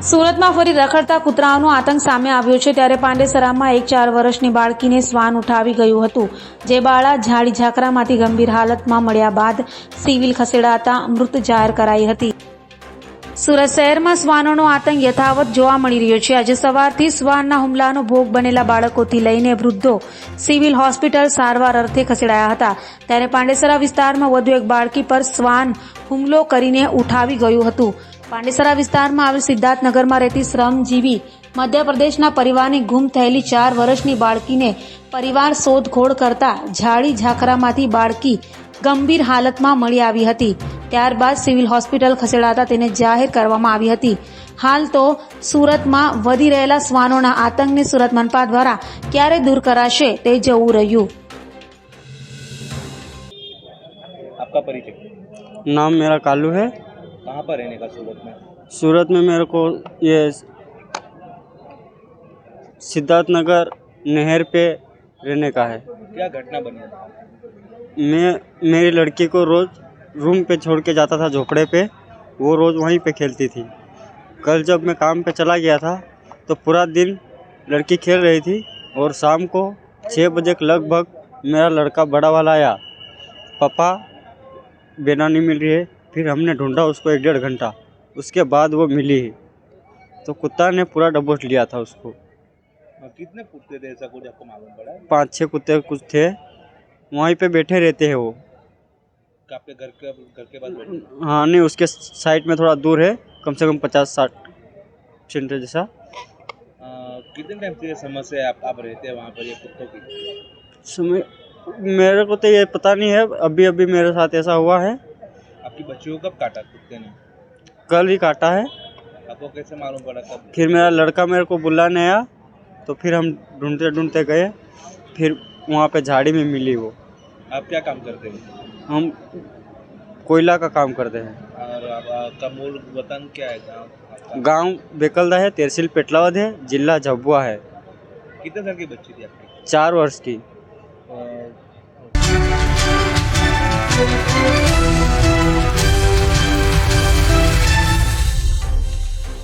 સુરતમાં ફરી રખડતા કૂતરાઓનો આતંક સામે આવ્યો છે ત્યારે પાંડેસરામાં એક 4 વર્ષની બાળકીને શ્વાન ઉઠાવી ગયું હતું, જે બાળા ઝાડી ઝાકરામાંથી ગંભીર હાલતમાં મળ્યા બાદ સિવિલ ખસેડાતા મૃત જાહેર કરાઈ હતી। સુરત શહેરમાં શ્વાનોનો આતંક યથાવત જોવા મળી રહ્યો છે। આજે સવારથી શ્વાનના હુમલાનો ભોગ બનેલા બાળકોથી લઈને વૃદ્ધો સિવિલ હોસ્પિટલ સારવાર અર્થે ખસેડાયા હતા, ત્યારે પાંડેસરા વિસ્તારમાં વધુ એક બાળકી પર શ્વાન હુમલો કરીને ઉઠાવી ગયું હતું। પાંડેસરા વિસ્તારમાં આવેલ સિદ્ધાર્થનગરમાં રહેતી શ્રમજીવી મધ્યપ્રદેશના પરિવારની ગુમ થયેલી 4 વર્ષની બાળકીને પરિવાર શોધખોળ કરતા ઝાડી ઝાકરામાંથી બાળકી ગંભીર હાલતમાં મળી આવી હતી। ત્યારબાદ સિવિલ હોસ્પિટલ ખસેડાતા તેને જાહેર કરવામાં આવી હતી। હાલ તો સુરતમાં વધી રહેલા શ્વાનોના આતંકને સુરત મનપા દ્વારા ક્યારે દૂર કરાશે તે જોવું રહ્યું। आपका परिचय? नाम मेरा कालू है। कहाँ पर रहने का सूरत में? सूरत में मेरे को ये सिद्धार्थनगर नहर पे रहने का है। क्या घटना बनी? मैं मेरी लड़की को रोज़ रूम पे छोड़ के जाता था झोपड़े पे, वो रोज़ वहीं पे खेलती थी। कल जब मैं काम पे चला गया था तो पूरा दिन लड़की खेल रही थी और शाम को 6 बजे के लगभग मेरा लड़का बड़ा वाला आया, पापा बेना नहीं मिल रही है। फिर हमने ढूंढा उसको 1-1.5 घंटा, उसके बाद वो मिली। तो कुत्ता ने पूरा दबोच लिया था उसको। कितने कुत्ते थे ऐसा कुछ आपको मालूम पड़ा? 5-6 कुत्ते कुछ थे, वहीं पे बैठे रहते हैं वो। आपके घर के पास बैठे? हाँ नहीं, उसके साइड में थोड़ा दूर है, कम से कम 50-60 सेंटर जैसा। कितने टाइम से ये समस्या है आप रहते हैं वहाँ पर ये कुत्तों की? समय मेरे को तो ये पता नहीं है, अभी अभी मेरे साथ ऐसा हुआ है। आपकी बच्ची को कब काटा कुत्ते ने? कल ही काटा है। आपको कैसे मालूम पड़ा कब? फिर मेरा लड़का मेरे को बुलाने आया, तो फिर हम ढूंढते ढूंढते गए, फिर वहाँ पे झाड़ी में मिली वो। आप क्या काम करते हैं? हम कोयला का काम करते हैं। और आपका मूल वतन क्या है? गांव बेकलदा है, तहसील पेटलावद है, जिला झाबुआ है। कितने साल की बच्ची थी आपकी? 4 वर्ष की।